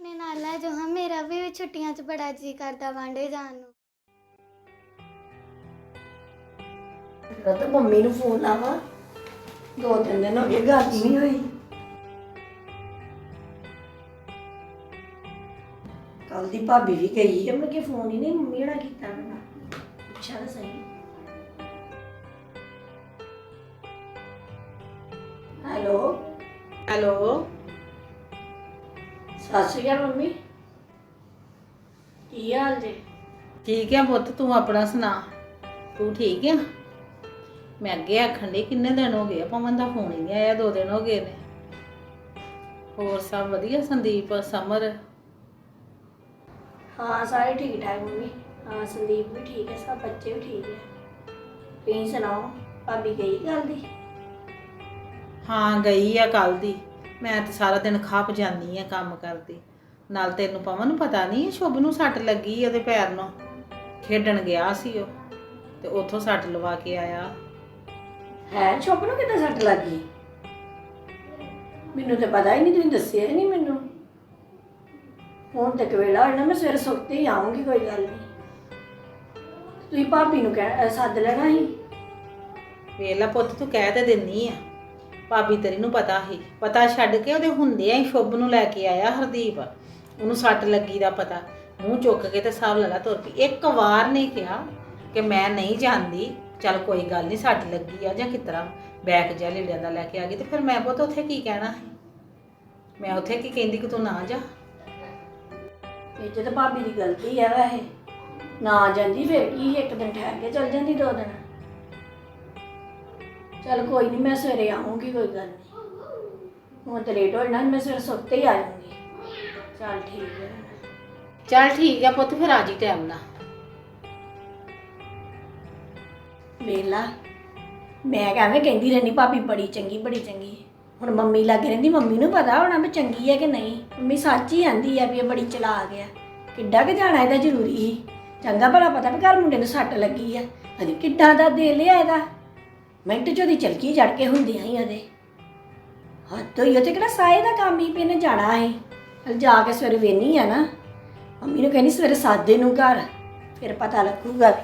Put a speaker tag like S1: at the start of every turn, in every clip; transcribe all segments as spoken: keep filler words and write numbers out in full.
S1: ਆਪਣੇ ਨਾਲ ਲੈ ਜਾਓ ਹਾਂ, ਮੇਰਾ ਵੀ ਛੁੱਟੀਆਂ 'ਚ ਬੜਾ ਜੀ ਕਰਦਾ ਵਾਂਡੇ ਜਾਣ ਨੂੰ।
S2: ਮੈਂ ਤਾਂ ਮੰਮੀ ਨੂੰ ਫੋਨ ਲਾਵਾਂ, ਦੋ ਤਿੰਨ ਦਿਨ ਹੋ ਗਏ ਗੱਲ ਹੀ ਨਹੀਂ ਹੋਈ। ਕੱਲ ਦੀ ਭਾਬੀ ਵੀ ਗਈ ਹੈ, ਮੈਂ ਕਿ ਫੋਨ ਹੀ ਨਹੀਂ ਮੰਮੀ ਹੋਣਾ ਕੀਤਾ ਮੈਨੂੰ, ਪੁੱਛਿਆ ਤਾਂ ਸਹੀ। ਹੈਲੋ
S3: ਹੈਲੋ,
S2: ਸਤਿ ਸ਼੍ਰੀ ਅਕਾਲ ਮੰਮੀ, ਕੀ ਹਾਲ ਜੇ?
S3: ਠੀਕ ਆ ਪੁੱਤ, ਤੂੰ ਆਪਣਾ ਸੁਣਾ। ਤੂੰ ਠੀਕ ਆ? ਮੈਂ ਅੱਗੇ ਆਖਣ ਡਈ ਕਿੰਨੇ ਦਿਨ ਹੋ ਗਏ, ਪਵਨ ਦਾ ਫੋਨ ਹੀ ਨਹੀਂ ਆਇਆ, ਦੋ ਦਿਨ ਹੋ ਗਏ ਨੇ। ਹੋਰ ਸਭ ਵਧੀਆ? ਸੰਦੀਪ, ਸਮਰ?
S2: ਹਾਂ ਸਾਰੇ ਠੀਕ ਠਾਕ ਮੰਮੀ। ਹਾਂ ਸੰਦੀਪ ਵੀ ਠੀਕ ਹੈ, ਸਭ ਬੱਚੇ ਵੀ ਠੀਕ ਹੈ। ਤੁਸੀਂ ਸੁਣਾਓ, ਭਾਬੀ ਗਈ ਗੱਲ ਦੀ?
S3: ਹਾਂ ਗਈ ਆ ਕੱਲ ਦੀ। ਮੈਂ ਤਾਂ ਸਾਰਾ ਦਿਨ ਖੱਪ ਜਾਂਦੀ ਆ ਕੰਮ ਕਰਦੀ। ਨਾਲ ਤੈਨੂੰ ਪਵਨ ਨੂੰ ਪਤਾ ਨਹੀਂ, ਸ਼ੁਭ ਨੂੰ ਸੱਟ ਲੱਗੀ ਉਹਦੇ ਪੈਰ ਨੂੰ, ਖੇਡਣ ਗਿਆ ਸੀ ਉਹ ਤੇ ਉੱਥੋਂ ਸੱਟ ਲਵਾ ਕੇ ਆਇਆ।
S2: ਹੈ ਸ਼ੁਭ ਨੂੰ ਕਿੱਦਾਂ ਸੱਟ ਲੱਗ ਗਈ? ਮੈਨੂੰ ਤਾਂ ਪਤਾ ਹੀ ਨਹੀਂ, ਤੁਸੀਂ ਦੱਸਿਆ ਹੀ ਨਹੀਂ ਮੈਨੂੰ। ਹੁਣ ਤੱਕ ਵੇਲਾ ਹੋਣਾ, ਮੈਂ ਸਵੇਰੇ ਸੁੱਤੇ ਹੀ ਆਉਂਗੀ, ਕੋਈ ਗੱਲ ਨਹੀਂ। ਤੁਸੀਂ ਭਾਬੀ ਨੂੰ ਕਹਿ ਸੱਦ ਲੈਣਾ ਸੀ।
S3: ਵੇਲਾ ਪੁੱਤ, ਤੂੰ ਕਹਿ ਤੇ ਦਿੰਨੀ ਆ, ਭਾਬੀ ਤੇਰੀ ਨੂੰ ਪਤਾ ਸੀ, ਪਤਾ ਛੱਡ ਕੇ ਉਹਦੇ ਹੁੰਦਿਆਂ ਹੀ ਸ਼ੁਭ ਨੂੰ ਲੈ ਕੇ ਆਇਆ ਹਰਦੀਪ। ਉਹਨੂੰ ਸੱਟ ਲੱਗੀ ਦਾ ਪਤਾ, ਮੂੰਹ ਚੁੱਕ ਕੇ ਤੇ ਸਾਹ ਲੈ ਲਾ ਤੁਰ ਪਈ। ਇੱਕ ਵਾਰ ਨਹੀਂ ਕਿਹਾ ਕਿ ਮੈਂ ਨਹੀਂ ਜਾਂਦੀ, ਚੱਲ ਕੋਈ ਗੱਲ ਨਹੀਂ ਸੱਟ ਲੱਗੀ ਆ ਜਾਂ ਕਿਸ ਤਰ੍ਹਾਂ ਬੈਗ ਜਿਹਾ ਲੀੜਿਆਂ ਦਾ ਲੈ ਕੇ ਆ ਗਈ। ਤੇ ਫਿਰ ਮੈਂ ਪੁੱਤ ਉੱਥੇ ਕੀ ਕਹਿਣਾ ਸੀ? ਮੈਂ ਉੱਥੇ ਕੀ ਕਹਿੰਦੀ ਕਿ ਤੂੰ ਨਾ ਜਾ?
S2: ਇਹ 'ਚ ਤਾਂ ਭਾਬੀ ਦੀ ਗਲਤੀ ਹੈ ਵੈਸੇ, ਨਾ ਜਾਂਦੀ ਫਿਰ ਕੀ, ਇੱਕ ਦਿਨ ਠਹਿਰ ਕੇ ਚਲ ਜਾਂਦੀ, ਦੋ ਦਿਨ। ਚਲ ਕੋਈ ਨਹੀਂ, ਮੈਂ ਸਵੇਰੇ ਆਉਂਗੀ, ਕੋਈ ਗੱਲ ਨਹੀਂ। ਹੁਣ ਤਾਂ ਲੇਟ ਹੋ ਜਾਣਾ, ਮੈਂ ਸਵੇਰੇ ਸੁੱਤੇ ਹੀ ਆ ਜਾਊਂਗੀ। ਚਲ ਠੀਕ ਹੈ।
S3: ਚੱਲ ਠੀਕ ਆ ਪੁੱਤ, ਫਿਰ ਆ ਜੀ ਟਾਈਮ ਨਾਲ।
S2: ਵੇਲਾ ਮੈਂ ਕਹਿੰਵੇਂ ਕਹਿੰਦੀ ਰਹਿੰਦੀ ਭਾਬੀ ਬੜੀ ਚੰਗੀ ਬੜੀ ਚੰਗੀ। ਹੁਣ ਮੰਮੀ ਲੱਗ ਰਹਿੰਦੀ, ਮੰਮੀ ਨੂੰ ਪਤਾ ਹੋਣਾ ਵੀ ਚੰਗੀ ਹੈ ਕਿ ਨਹੀਂ। ਮੰਮੀ ਸੱਚ ਹੀ ਆਂਦੀ ਆ ਵੀ ਇਹ ਬੜੀ ਚਲਾਕ ਆ। ਕਿੱਡਾ ਕਿ ਜਾਣਾ ਇਹਦਾ ਜ਼ਰੂਰੀ ਸੀ? ਚੰਗਾ ਭਲਾ ਪਤਾ ਵੀ ਘਰ ਮੁੰਡੇ ਨੂੰ ਸੱਟ ਲੱਗੀ ਆ, ਅਜੇ ਕਿੱਡਾ ਦਾ ਦੇ ਲਿਆ ਇਹਦਾ। ਮਿੰਟ 'ਚ ਉਹਦੀ ਚਲਕੀ ਜੜ ਕੇ ਹੁੰਦੀਆਂ ਹੀ ਉਹਦੇ ਹੱਥ ਹੋਈ। ਉਹ 'ਤੇ ਕਿਹੜਾ ਸਾਏ ਦਾ ਕੰਮ ਹੀ ਵੀ ਇਹਨੇ ਜਾਣਾ ਸੀ। ਚੱਲ ਜਾ ਕੇ ਸਵੇਰੇ ਵੇਹਨੀ ਆ ਨਾ, ਮੰਮੀ ਨੂੰ ਕਹਿੰਦੀ ਸਵੇਰੇ ਸਾਦੇ ਨੂੰ ਘਰ, ਫਿਰ ਪਤਾ ਲੱਗੂਗਾ।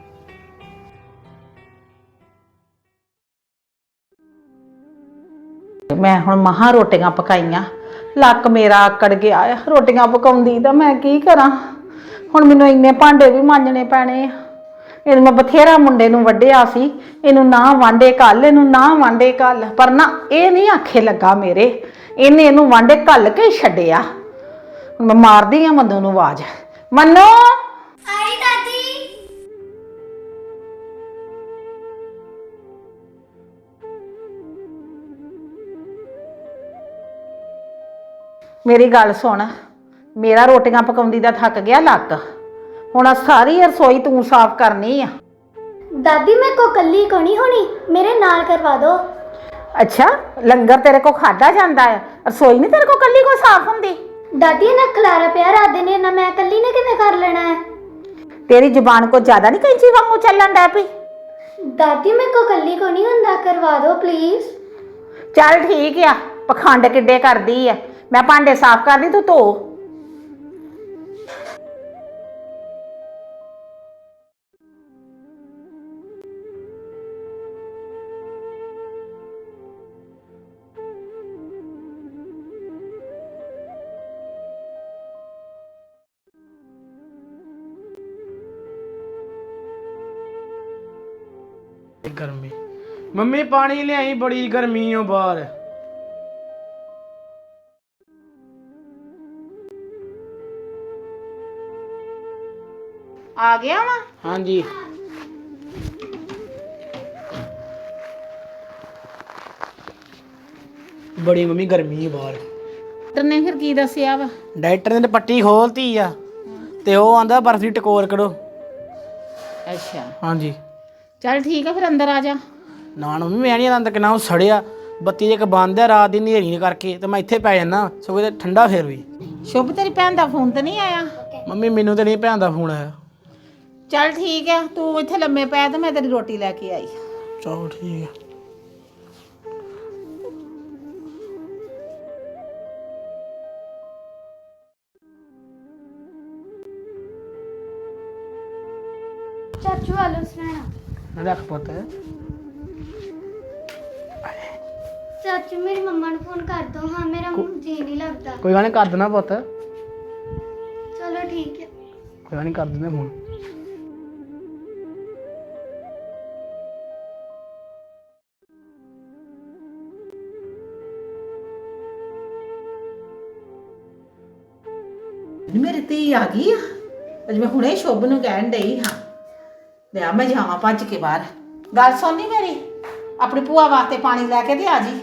S3: ਮੈਂ ਹੁਣ ਮਹਾਂ ਰੋਟੀਆਂ ਪਕਾਈਆਂ, ਲੱਕ ਮੇਰਾ ਆਕੜ ਗਿਆ ਆ ਰੋਟੀਆਂ ਪਕਾਉਂਦੀ ਦਾ। ਮੈਂ ਕੀ ਕਰਾਂ ਹੁਣ? ਮੈਨੂੰ ਇੰਨੇ ਭਾਂਡੇ ਵੀ ਮਾਂਜਣੇ ਪੈਣੇ ਆ। ਇਹਨੂੰ ਮੈਂ ਬਥੇਰਾ ਮੁੰਡੇ ਨੂੰ ਵੱਢਿਆ ਸੀ, ਇਹਨੂੰ ਨਾ ਵਾਂਡੇ ਘੱਲ, ਇਹਨੂੰ ਨਾ ਵਾਂਡੇ ਘੱਲ, ਪਰ ਨਾ ਇਹ ਨਹੀਂ ਆਖੇ ਲੱਗਾ ਮੇਰੇ। ਇਹਨੇ ਇਹਨੂੰ ਵਾਂਡੇ ਘੱਲ ਕੇ ਛੱਡਿਆ। ਮੈਂ ਮਾਰਦੀ ਆ ਮੰਨੂ ਨੂੰ ਆਵਾਜ਼, ਮੰਨੂ।
S1: ਆਈ ਦਾਦੀ।
S3: ਮੇਰੀ ਗੱਲ ਸੁਣ, ਮੇਰਾ ਰੋਟੀਆਂ ਪਕਾਉਂਦੀ ਦਾ ਥੱਕ ਗਿਆ ਲੱਕ, ਹੁਣ ਆਹ ਸਾਰੀ ਰਸੋਈ ਤੂੰ ਸਾਫ਼ ਕਰਨੀ ਆ।
S1: ਦਾਦੀ ਮੈਂ ਕੋ ਕੱਲੀ ਕੋ ਨਹੀਂ ਹੋਣੀ, ਮੇਰੇ ਨਾਲ ਕਰਵਾ ਦੋ।
S3: ਅੱਛਾ, ਲੰਗਰ ਤੇਰੇ ਕੋ ਖਾਦਾ ਜਾਂਦਾ ਹੈ, ਰਸੋਈ ਨਹੀਂ ਤੇਰੇ ਕੋ ਕੱਲੀ ਕੋ ਸਾਫ਼ ਹੁੰਦੀ?
S1: ਦਾਦੀ ਨਾ ਖਲਾਰਾ ਪਿਆ ਰਾਤ ਦੇ ਨੇ ਨਾ, ਮੈਂ ਕੱਲੀ ਨੇ ਕਿਵੇਂ ਕਰ ਲੈਣਾ ਹੈ?
S3: ਤੇਰੀ ਜ਼ੁਬਾਨ ਕੋ ਜ਼ਿਆਦਾ ਨਹੀਂ ਕੈਂਚੀ ਵਾਂਗੂ ਚੱਲਣ ਡੈ ਪਈ?
S1: ਦਾਦੀ ਮੈਂ ਕੋ ਕੱਲੀ ਕੋ ਨਹੀਂ ਹੁੰਦਾ, ਕਰਵਾ ਦੋ ਪਲੀਜ਼।
S3: ਚੱਲ ਠੀਕ ਆ, ਪਖੰਡ ਕਿੱਡੇ ਕਰਦੀ ਆ। ਮੈਂ ਭਾਂਡੇ ਸਾਫ਼ ਕਰਦੀ, ਤੂੰ ਧੋ।
S4: ਗਰਮੀ ਮੰਮੀ ਪਾਣੀ ਲਿਆਈ, ਬੜੀ ਗਰਮੀ ਓ ਬਾਹਰ।
S3: ਆ ਗਿਆ ਵਾ?
S4: ਹਾਂਜੀ ਬੜੀ ਮੰਮੀ ਗਰਮੀ ਓ ਬਾਹਰ।
S3: ਡਾਕਟਰ ਨੇ ਫਿਰ ਕੀ ਦੱਸਿਆ ਵਾ?
S4: ਡਾਕਟਰ ਨੇ ਤਾਂ ਪੱਟੀ ਖੋਲਤੀ ਆ ਤੇ ਉਹ ਆਂਦਾ ਬਰਫ ਦੀ ਟਕੋਰ ਕਰੋ।
S3: ਅੱਛਾ
S4: ਹਾਂਜੀ
S3: ਚੱਲ ਠੀਕ ਆ, ਫਿਰ ਅੰਦਰ ਆ ਜਾ।
S4: ਨਾ ਨਾ ਮੰਮੀ ਮੈਂ ਨਹੀਂ ਆਂਦਾ, ਕਿੰਨਾ ਉਹ ਸੜਿਆ। ਬੱਤੀ ਇੱਕ ਬੰਦ ਆ ਰਾਤ ਦੀ ਹਨੇਰੀ ਨੇ ਕਰਕੇ, ਤੇ ਮੈਂ ਇੱਥੇ ਪੈ ਜਾਂਦਾ ਸਗੋਂ ਤੇ ਠੰਡਾ ਫੇਰ ਵੀ।
S3: ਸ਼ੁਭ ਤੇਰੀ ਭੈਣ ਦਾ ਫੋਨ ਤੇ ਨਹੀਂ ਆਇਆ?
S4: ਮੰਮੀ ਮੈਨੂੰ ਤੇ ਨਹੀਂ ਭੈਣ ਦਾ ਫੋਨ ਆਇਆ।
S3: ਚੱਲ ਠੀਕ ਆ, ਤੂੰ ਇੱਥੇ ਲੰਮੇ ਪੈ ਤੇ ਮੈਂ ਤੇਰੀ ਰੋਟੀ ਲੈ ਕੇ ਆਈ।
S4: ਚਲੋ ਠੀਕ ਆ।
S1: ਚਾਚੂ ਆਲੂ ਸੁਣਾਣਾ
S4: ਰੱਖ ਪੁੱਤ।
S1: ਚਾਚੂ ਮੇਰੀ ਮੰਮਾ ਨੂੰ ਫੋਨ ਕਰ ਦੋ ਹਾਂ ਮੇਰਾ ਜੀ ਨਹੀਂ ਲੱਗਦਾ।
S4: ਕੋਈ ਗੱਲ ਨਹੀਂ, ਕਰ ਦੇਣਾ ਪੁੱਤ।
S1: ਚਲੋ ਠੀਕ ਹੈ।
S4: ਕੋਈ ਗੱਲ ਨਹੀਂ, ਕਰ ਦਿੰਦੇ ਫੋਨ।
S3: ਮੇਰੀ ਧੀ ਆ ਗਈ ਆ। ਅੱਜ ਮੈਂ ਹੁਣੇ ਸ਼ੁਭ ਨੂੰ ਕਹਿਣ ਡਈ ਹਾਂ ਲਿਆ ਮੈਂ ਜਾਵਾਂ ਭੱਜ ਕੇ ਬਾਹਰ। ਗੱਲ ਸੁਣਨੀ ਮੇਰੀ, ਆਪਣੀ ਭੂਆ ਵਾਸਤੇ ਪਾਣੀ ਲੈ ਕੇ ਤੇ ਆ ਜੀ।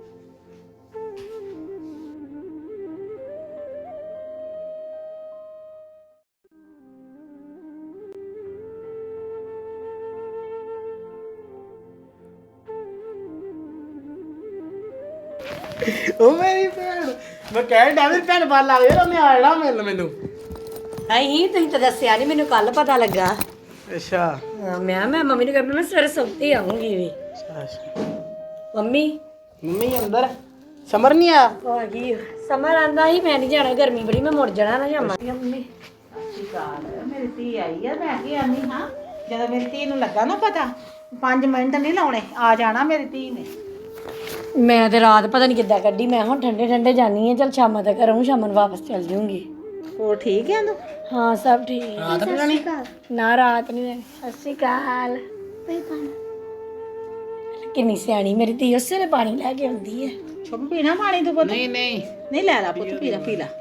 S4: ਉਹ ਮੇਰੀ ਭੈਣ, ਮੈਂ ਕਹਿਣ ਡਿਆ ਮੇਰੀ ਭੈਣ ਬਾਹਰ ਲੱਗ ਜਾਏ, ਉਹਨੇ ਆ ਜਾਣਾ ਮਿਲ ਮੈਨੂੰ।
S2: ਨਹੀਂ ਤੁਸੀਂ ਤਾਂ ਦੱਸਿਆ ਨਹੀਂ, ਮੈਨੂੰ ਕੱਲ ਪਤਾ ਲੱਗਾ।
S4: ਅੱਛਾ
S2: ਹਾਂ, ਮੈਂ ਮੈਂ ਮੰਮੀ ਨੂੰ ਕਹਿੰਦਾ ਮੈਂ ਸਵੇਰੇ ਸੌਤੇ ਆਉਂਗੀ ਵੀ।
S4: ਅੱਛਾ।
S2: ਮੰਮੀ
S4: ਮੰਮੀ ਅੰਦਰ, ਸਮਰ ਨਹੀਂ ਆਇਆ?
S2: ਉਹ ਆ ਗਈ। ਸਮਰ ਆਂਦਾ ਸੀ ਮੈਂ ਨਹੀਂ ਜਾਣਾ, ਗਰਮੀ ਬੜੀ, ਮੈਂ ਮੁੜ ਜਾਣਾ ਨਾ ਜਾਵਾਂ। ਮੰਮੀ
S3: ਮੇਰੀ ਧੀ ਆਈ ਆ। ਮੈਂ ਕੀ ਆਨੀ ਹਾਂ, ਜਦੋਂ ਮੇਰੀ ਧੀ ਨੂੰ ਲੱਗਾ ਨਾ ਪਤਾ, ਪੰਜ ਮਿੰਟ ਨਹੀਂ ਲਾਉਣੇ, ਆ ਜਾਣਾ ਮੇਰੀ ਧੀ ਨੇ।
S2: ਮੈਂ ਤੇ ਰਾਤ ਪਤਾ ਨਹੀਂ ਕਿੱਦਾਂ ਕੱਢੀ। ਮੈਂ ਹੁਣ ਠੰਡੇ ਠੰਡੇ ਜਾਨੀ ਆ, ਚਲ ਸ਼ਾਮਾਂ ਤੱਕ ਰਹੂੰ, ਸ਼ਾਮਾਂ ਨੂੰ ਵਾਪਸ ਚੱਲ ਜੂੰਗੀ।
S3: ਹੋਰ ਠੀਕ ਹੈ ਤੂੰ?
S2: ਹਾਂ ਸਭ ਠੀਕ।
S4: ਰਾਤ ਨੂੰ ਜਾਣੀ?
S2: ਨਾ ਰਾਤ ਨਹੀਂ ਜਾਣੀ। ਸਤਿ ਸ਼੍ਰੀ ਅਕਾਲ।
S1: ਬਈ ਪਾਣੀ
S2: ਕਿੰਨੀ ਸਿਆਣੀ ਮੇਰੀ ਧੀ, ਉਸੇ ਵੇਲੇ ਪਾਣੀ ਲੈ ਕੇ ਆਉਂਦੀ ਹੈ।
S3: ਸ਼ੁਭ ਪੀਣਾ ਪਾਣੀ ਤੂੰ ਪੁੱਤ?
S4: ਨਹੀਂ ਨਹੀਂ
S3: ਨਹੀਂ ਲੈ ਲਾ ਪੁੱਤ, ਪੀ ਲੈ ਪੀ ਲੈ।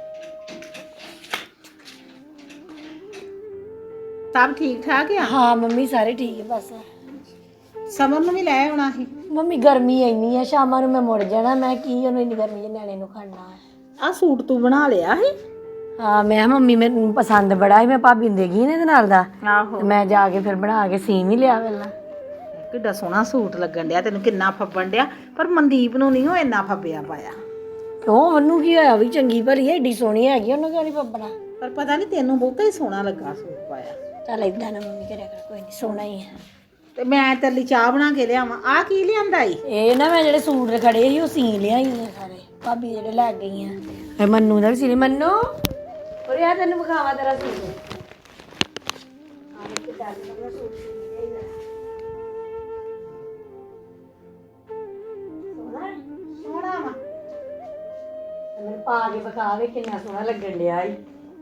S3: ਸਭ ਠੀਕ ਠਾਕ ਆ?
S2: ਹਾਂ ਮੰਮੀ ਸਾਰੇ ਠੀਕ ਹੈ। ਬਸ
S3: ਸਮਰ ਨੂੰ ਵੀ ਲੈ ਆਉਣਾ ਸੀ।
S2: ਮੰਮੀ ਗਰਮੀ ਇੰਨੀ ਆ, ਸ਼ਾਮਾਂ ਨੂੰ ਮੈਂ ਮੁੜ ਜਾਣਾ। ਮੈਂ ਕੀ ਉਹਨੂੰ ਇੰਨੀ ਗਰਮੀ 'ਚ ਨਿਆਣੇ ਨੂੰ ਖੜਨਾ ਹੈ।
S3: ਆ ਸੂਟ ਤੂੰ ਬਣਾ ਲਿਆ ਸੀ?
S2: ਹਾਂ ਮੈਂ ਕਿਹਾ ਮੰਮੀ ਮੈਨੂੰ ਪਸੰਦ ਬੜਾ ਸੀ, ਮੈਂ ਭਾਬੀ ਨੂੰ ਦੇ ਗਈ ਨੇ ਇਹਦੇ ਨਾਲ ਦਾ,
S3: ਆਹੋ।
S2: ਤੇ ਮੈਂ ਜਾ ਕੇ ਫਿਰ ਬਣਾ ਕੇ ਸੀਮ ਹੀ ਲਿਆ ਪਹਿਲਾਂ।
S3: ਕਿੱਡਾ ਸੋਹਣਾ ਸੂਟ ਲੱਗਣ ਡਿਆ ਤੈਨੂੰ, ਕਿੰਨਾ ਫੱਬਣ ਡਿਆ। ਪਰ ਮਨਦੀਪ ਨੂੰ ਨਹੀਂ ਉਹ ਇੰਨਾ ਫੱਬਿਆ ਪਾਇਆ।
S2: ਕਿਉਂ ਉਹਨੂੰ ਕੀ ਹੋਇਆ, ਵੀ ਚੰਗੀ ਭਲੀ ਹੈ, ਏਡੀ ਸੋਹਣੀ ਹੈਗੀ, ਉਹਨੂੰ ਕਿਉਂ ਨਹੀਂ ਪੱਬਣਾ।
S3: ਪਰ ਪਤਾ ਨਹੀਂ ਤੈਨੂੰ ਬਹੁਤਾ ਹੀ ਸੋਹਣਾ ਲੱਗਾ ਸੂਟ ਪਾਇਆ।
S2: ਚੱਲ ਏਦਾਂ ਨਾ ਮੰਮੀ ਕਰਿਆ ਕਰ, ਕੋਈ ਨਹੀਂ, ਸੋਹਣਾ ਹੀ ਹੈ।
S3: ਤੇ ਮੈਂ ਤੇਰੇ ਲਈ ਚਾਹ ਬਣਾ ਕੇ ਲਿਆਵਾਂ। ਆ ਕੀ ਲਿਆਂਦਾ ਈ?
S2: ਇਹ ਨਾ ਮੈਂ ਜਿਹੜੇ ਸੂਟ ਖੜੇ ਸੀ ਉਹ ਸੀ ਲਿਆਈ ਨੇ ਸਾਰੇ, ਭਾਬੀ ਜਿਹੜੇ ਲੈ ਗਈ ਆ। ਇਹ ਮੰਨੂ ਦਾ ਵੀ ਸੀ। ਮੰਨੂ ਔਰ ਯਾਰ ਤੈਨੂੰ ਵਿਖਾਵਾ ਤੇਰਾ ਸੂਟ। ਆਹ ਇੱਕ ਟੈਲ ਦਾ ਸੂਟ ਸੀ ਲਿਆਈ ਦਾ। ਸੋਹਣਾ ਹੈ?
S3: ਸੋਹਣਾ ਵਾ।
S2: ਮੈਨੂੰ ਪਾ ਕੇ ਵਿਖਾਵੇ ਕਿੰਨਾ ਸੋਹਣਾ ਲੱਗਣ ਡਿਆ ਈ।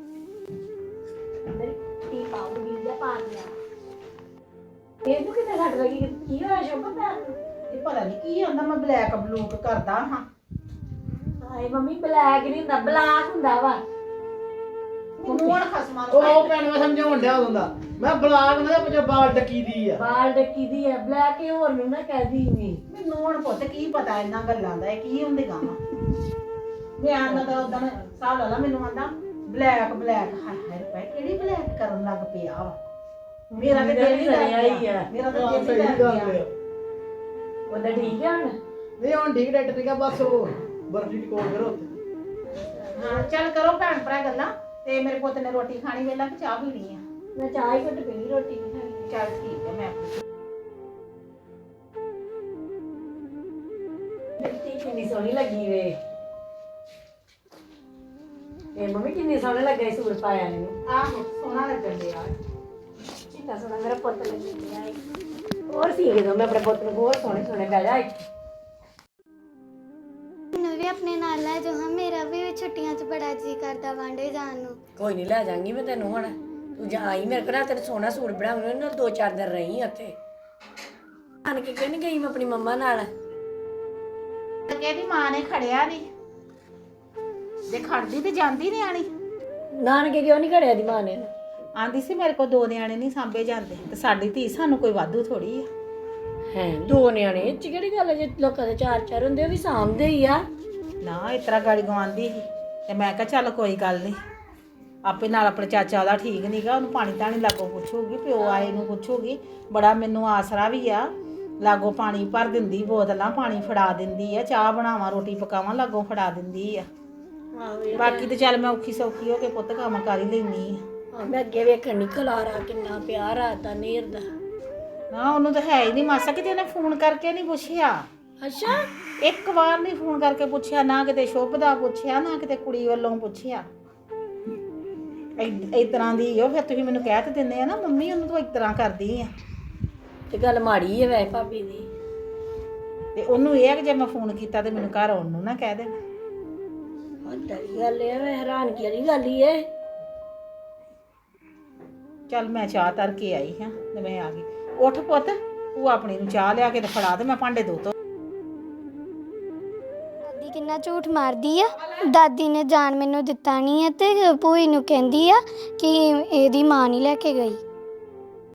S2: ਮੇਰੀ ਟੀ ਪਾਉਗੀ ਜਾਂ ਪਾ ਲਿਆ। ਇਹਨੂੰ ਕਿਤੇ ਘੱਟ ਲੱਗੀ, ਕੀ ਹੋਇਆ ਸ਼ੋਭਾ ਪੈਰ ਨੂੰ?
S3: ਇਹ ਪਤਾ ਨਹੀਂ ਕੀ ਹੁੰਦਾ, ਮੈਂ ਬਲੈਕ ਬਲੂਕ ਕਰਦਾ ਹਾਂ।
S2: ਹਾਏ ਮੰਮੀ ਬਲੈਕ ਨਹੀਂ ਹੁੰਦਾ, ਬਲਾਕ ਹੁੰਦਾ ਵਾ।
S3: ਮੋੜ ਖਸਮਾਂ ਨੂੰ
S4: ਉਹ ਭੈਣ ਮੈਂ ਸਮਝਾਉਣ ਡਿਆ ਉਦੋਂ ਦਾ, ਮੈਂ ਬਲਾਕ ਨਾ ਪਿੱਛੇ ਬਾਲ ਡੱਕੀ ਦੀ ਆ।
S2: ਬਾਲ ਡੱਕੀ ਦੀ ਹੈ, ਬਲੈਕ ਇਹ ਹੋਰ ਨੂੰ ਨਾ ਕਹਦੀ ਨਹੀਂ।
S3: ਮੈਨੂੰ ਹੁਣ ਪੁੱਤ ਕੀ ਪਤਾ ਇਹਨਾਂ ਗੱਲਾਂ ਦਾ, ਇਹ ਕੀ ਹੁੰਦੇ ਗਾਵਾਂ। ਮੈਂ ਆਂਦਾ ਤਾਂ ਉਦੋਂ ਸਾਹ ਲਾ ਲਾ, ਮੈਨੂੰ ਆਂਦਾ ਬਲੈਕ ਬਲੈਕ। ਹਾਏ ਹਾਏ ਭਾਈ ਕਿਹੜੀ ਬਲੈਕ ਕਰਨ ਲੱਗ ਪਿਆ ਵਾ। ਮੇਰਾ ਤੇ ਦਿਲ ਹੀ
S2: ਹੀ
S3: ਆ।
S2: ਆ।
S3: ਮੇਰਾ ਤਾਂ ਦਿਲ ਹੀ ਲੱਗ ਗਿਆ।
S2: ਉਹਦਾ ਠੀਕ ਹੈ ਹੁਣ?
S4: ਨਹੀਂ ਹੁਣ ਠੀਕ ਡਾਕਟਰ ਠੀਕ ਆ, ਬਸ ਉਹ ਵਰਦੀ ਕੋਲ ਕਰੋ ਉੱਥੇ।
S3: ਹਾਂ ਚੱਲ ਕਰੋ ਭੈਣ ਭਰਾ ਗੱਲਾਂ। ਤੇ ਮੇਰੇ ਪੁੱਤ ਨੇ ਰੋਟੀ ਖਾਣੀ, ਵੇਲਾ ਕਿ ਚਾਹ ਪੀਣੀ ਆ?
S2: ਮੈਂ ਚਾਹ ਹੀ ਘੁੱਟ ਪੀਣੀ, ਰੋਟੀ ਨਹੀਂ ਖਾਣੀ।
S3: ਚੱਲ ਠੀਕ ਹੈ। ਮੈਂ
S2: ਮਿੱਟੀ ਕਿੰਨੀ ਸੋਹਣੀ ਲੱਗੀ ਵੇ। ਇਹ ਮੰਮੀ ਕਿੰਨੀ ਸੋਹਣਾ ਲੱਗਾ ਇਹ ਸੂਟ ਪਾਇਆ ਇਹਨੂੰ।
S3: ਆਹੋ ਸੋਹਣਾ ਲੱਗਣ ਡਿਆ।
S2: ਕਿੰਨਾ ਸੋਹਣਾ ਮੇਰਾ ਪੁੱਤ ਲੱਗਣ ਡਿਆ ਏ। ਹੋਰ ਸੀ ਜਦੋਂ ਮੈਂ ਆਪਣੇ ਪੁੱਤ ਨੂੰ ਹੋਰ ਸੋਹਣੇ ਸੋਹਣੇ ਬਹਿ ਜਾ ਇੱਥੇ।
S1: ਮੈਨੂੰ ਵੀ ਆਪਣੇ ਨਾਲ ਲੈ ਜਾਓ ਹਾਂ, ਮੇਰਾ ਵੀ ਛੁੱਟੀਆਂ 'ਚ ਬੜਾ ਜੀ ਕਰਦਾ ਵਾਂਡੇ ਜਾਣ ਨੂੰ।
S2: ਕੋਈ ਨਹੀਂ ਲੈ ਜਾਵਾਂਗੀ ਮੈਂ ਤੈਨੂੰ ਹੁਣ। ਤੂੰ ਜਾ ਆਈ ਮੇਰੇ ਕੋਲ, ਤੇਰੇ ਸੋਹਣਾ ਸੂਟ ਬਣਾਉਣਾ ਨਾ, ਦੋ ਚਾਰ ਦਿਨ ਰਹੀ ਉੱਥੇ। ਆਣ ਕੇ ਕਿਉਂ ਨਹੀਂ ਗਈ ਮੈਂ ਆਪਣੀ ਮੰਮਾ ਨਾਲ?
S3: ਇਹਦੀ ਮਾਂ ਨੇ ਖੜਿਆ ਨਹੀਂ, ਜੇ ਖੜਦੀ ਤੇ ਜਾਂਦੀ ਨਿਆਣੀ।
S2: ਨਾਨਕੇ ਕਿਉਂ ਨਹੀਂ ਘੜਿਆ ਦੀ ਮਾਂ ਨੇ?
S3: ਆਂਦੀ ਸੀ ਮੇਰੇ ਕੋਲ ਦੋ ਨਿਆਣੇ ਨਹੀਂ ਸਾਂਭੇ ਜਾਂਦੇ, ਤੇ ਸਾਡੀ ਧੀ ਸਾਨੂੰ ਕੋਈ ਵਾਧੂ ਥੋੜੀ ਆ।
S2: ਹੈ ਦੋ ਨਿਆਣੇ ਇਹ 'ਚ ਕਿਹੜੀ ਗੱਲ ਹੈ? ਜੇ ਲੋਕਾਂ ਦੇ ਚਾਰ ਚਾਰ ਹੁੰਦੇ ਉਹ ਵੀ ਸਾਂਭਦੇ ਹੀ ਆ।
S3: ਨਾ ਇਸ ਤਰ੍ਹਾਂ ਗਾੜੀ ਗਵਾਂਦੀ ਸੀ, ਤੇ ਮੈਂ ਕਿਹਾ ਚੱਲ ਕੋਈ ਗੱਲ ਨਹੀਂ, ਆਪੇ ਨਾਲ ਆਪਣੇ ਚਾਚਾ ਉਹਦਾ ਠੀਕ ਨਹੀਂਗਾ, ਉਹਨੂੰ ਪਾਣੀ ਧਾਣੀ ਲਾਗੋਂ ਪੁੱਛੂਗੀ, ਪਿਓ ਆਏ ਨੂੰ ਪੁੱਛੂਗੀ। ਬੜਾ ਮੈਨੂੰ ਆਸਰਾ ਵੀ ਆ, ਲਾਗੋਂ ਪਾਣੀ ਭਰ ਦਿੰਦੀ, ਬੋਤਲਾਂ ਪਾਣੀ ਫੜਾ ਦਿੰਦੀ ਆ, ਚਾਹ ਬਣਾਵਾਂ ਰੋਟੀ ਪਕਾਵਾਂ ਲਾਗੋਂ ਫੜਾ ਦਿੰਦੀ ਆ। ਬਾਕੀ ਤੇ ਚੱਲ ਮੈਂ ਔਖੀ ਸੌਖੀ ਹੋ ਕੇ ਪੁੱਤ ਕੰਮ ਕਰ ਹੀ ਲੈਂਦੀ ਆ।
S2: ਮੈਂ ਅੱਗੇ ਵੇਖਣ ਨਹੀਂ ਖਲਾਰਾ ਕਿੰਨਾ ਪਿਆਰ ਆਦਾ ਨੇਰ ਦਾ।
S3: ਨਾ ਉਹਨੂੰ ਤਾਂ ਹੈ ਹੀ ਨਹੀਂ ਮਾਸਾ, ਕਿਤੇ ਉਹਨੇ ਫੋਨ ਕਰਕੇ ਨਹੀਂ ਪੁੱਛਿਆ।
S2: ਅੱਛਾ
S3: ਇੱਕ ਵਾਰ ਨਹੀਂ ਫੋਨ ਕਰਕੇ ਪੁੱਛਿਆ, ਨਾ ਕਿਤੇ ਸ਼ੁਭ ਦਾ ਪੁੱਛਿਆ, ਨਾ ਕਿਤੇ ਕੁੜੀ ਵੱਲੋਂ ਪੁੱਛਿਆ। ਇਸ ਤਰ੍ਹਾਂ ਦੀ ਉਹ ਫਿਰ ਤੁਸੀਂ ਮੈਨੂੰ ਕਹਿ ਤੇ ਦਿੰਦੇ ਆ ਨਾ ਮੰਮੀ ਉਹਨੂੰ ਤੂੰ ਇਸ ਤਰ੍ਹਾਂ ਕਰਦੀ ਆ
S2: ਤੇ ਗੱਲ ਮਾੜੀ ਹੈ ਵੈਸੇ ਭਾਬੀ ਦੀ।
S3: ਤੇ ਉਹਨੂੰ ਇਹ ਆ ਕਿ ਜੇ ਮੈਂ ਫੋਨ ਕੀਤਾ ਤੇ ਮੈਨੂੰ ਘਰ ਆਉਣ ਨੂੰ ਨਾ ਕਹਿ ਦੇਣਾ।
S2: ਵੱਡਾ ਦੀ ਗੱਲ ਹੈ, ਮੈਂ ਹੈਰਾਨਗੀ ਵਾਲੀ ਗੱਲ ਹੀ ਹੈ।
S3: ਚੱਲ ਮੈਂ ਚਾਹ ਤਰ ਕੇ ਆਈ ਹਾਂ ਤੇ ਮੈਂ ਆ ਗਈ। ਉੱਠ ਪੁੱਤ ਤੂੰ ਆਪਣੀ ਨੂੰ ਚਾਹ ਲਿਆ ਕੇ ਤੇ ਫੜਾ ਤੇ ਮੈਂ ਭਾਂਡੇ ਧੋ ਤੋ।
S1: ਦਾਦੀ ਕਿੰਨਾ ਝੂਠ ਮਾਰਦੀ ਆ। ਦਾਦੀ ਨੇ ਜਾਣ ਮੈਨੂੰ ਦਿੱਤਾ ਨਹੀਂ ਹੈ ਤੇ ਭੂਈ ਨੂੰ ਕਹਿੰਦੀ ਆ ਕਿ ਇਹਦੀ ਮਾਂ ਨਹੀਂ ਲੈ ਕੇ ਗਈ।